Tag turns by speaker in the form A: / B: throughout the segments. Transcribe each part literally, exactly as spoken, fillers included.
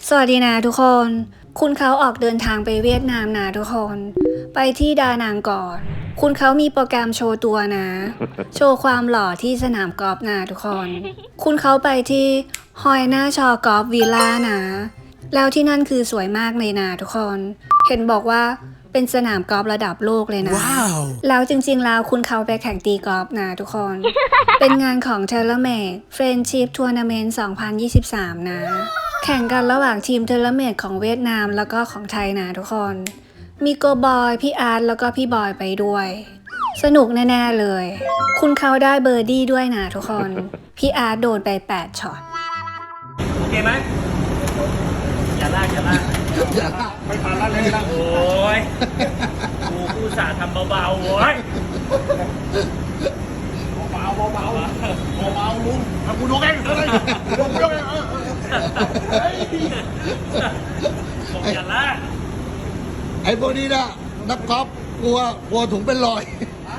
A: สวัสดีนะทุกคน คุณเขาออกเดินทางไปเวียดนามนะทุกคน ไปที่ดานังก่อน คุณเขามีโปรแกรมโชว์ตัวนะ โชว์ความหล่อที่สนามกอล์ฟนะทุกคน คุณเขาไปที่ฮอยหน้าชอกอล์ฟวิลล่านะ แล้วที่นั่นคือสวยมากเลยนะทุกคน เห็นบอกว่าเป็นสนามกอล์ฟระดับโลกเลยนะ
B: wow.
A: แล้วจริงๆแล้วคุณเขาไปแข่งตีกอล์ฟนะทุกคน เป็นงานของ TaylorMade Friendship Tournament สองพันยี่สิบสาม นะ แข่งกันระหว่างทีม TaylorMade ของเวียดนามแล้วก็ของไทยนะทุกคน มีโกบอย พี่อาร์ตแล้วก็พี่บอยไปด้วย สนุกแน่ๆเลย คุณเขาได้เบอร์ดี้ด้วยนะทุกคน พี่อาร์ตโดนไปแปดช็อต
C: โอเคไหมอย่าลากอย่าลากไม่ผ่านแล้วเลยนะโอ้ยกูกูสาทำเบาๆโว้ยเบาๆเบาๆเบาๆลุงเอากูยกเองเลยยกยกเองเออผมอย่าลาก
B: ไอ้พวกนี้นะนักกอล์ฟกลัวกลัวถุงเป็นรอย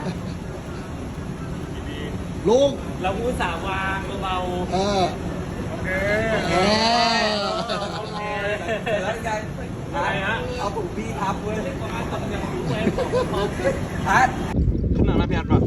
B: ลุง
C: เรากูสาวางเบา
B: เออ
C: โอเค
B: เออ
C: โอเคแล้วยังอะไรฮะเอาถุงพี่ทับเว้ยทำอย่างรู้เว้ยทัดขึ้นหนังนะพี่อัดป่ะ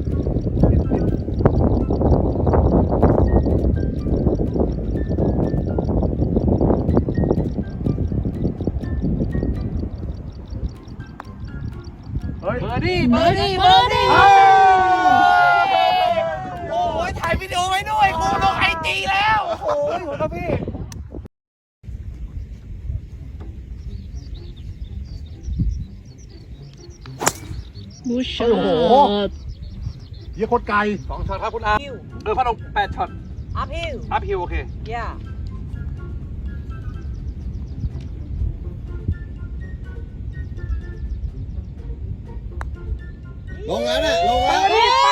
C: เบอร์ดี้เบอร์ดี้เบอร์ดี้โอ้ยถ่ายวิดีโอไว้ด้วยกูลงไอจีแล้วโอ้โหอยู่ครับพี่
D: บูชา
B: โอ้โหเยี่ยโคตรไกล
C: สองช็อตครับคุณอาเออพัดลมแปดช็อต
D: uphill
C: อัพฮิวโอเค
D: yeah
B: ลงแล้วเนี่ยลงแล้ว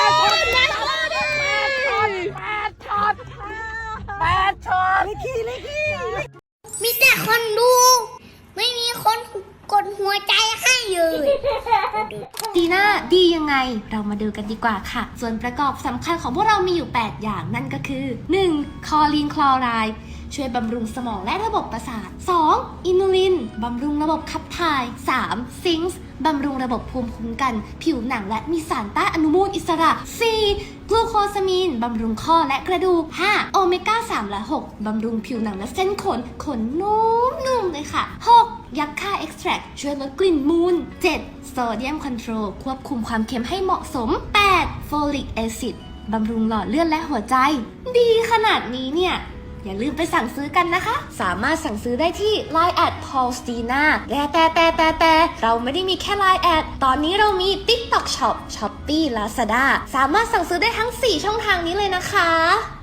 E: มีแต่คนดู ไม่มีคนกดหัวใจให้เลย
F: ดีน่าดียังไงเรามาดูกันดีกว่าค่ะ ส่วนประกอบสำคัญของพวกเรามีอยู่ แปด อย่างนั่นก็คือ หนึ่ง คอลีนคลอไรด์ช่วยบำรุงสมองและระบบประสาท สอง อินูลินบำรุงระบบขับถ่าย สาม ซิงค์บำรุงระบบภูมิคุ้มกัน ผิวหนังและมีสารต้านอนุมูลอิสระ สี่ กลูโคซามีนบำรุงข้อและกระดูก ห้า โอเมก้า สาม และ หก บำรุงผิวหนังและเส้นขน ขนนุ่มๆเลยค่ะ หก ยักษ์ค่าเอ็กซ์แทรคช่วยลดกลิ่นมูล เจ็ด โซเดียมคอนโทรลควบคุมความเค็มให้เหมาะสม แปด โฟลิกแอซิดบำรุงหลอดเลือดและหัวใจ ดีขนาดนี้เนี่ยอย่าลืมไปสั่งซื้อกันนะคะ สามารถสั่งซื้อได้ที่ ไลน์ แอท พอลสตีน่า แต่แต่แต่แต่แต่เราไม่ได้มีแค่ ไลน์ แอท ตอนนี้เรามี ติ๊กต็อก ช็อป ช้อปปี้ ลาซาด้า สามารถสั่งซื้อได้ทั้ง สี่ ช่องทางนี้เลยนะคะ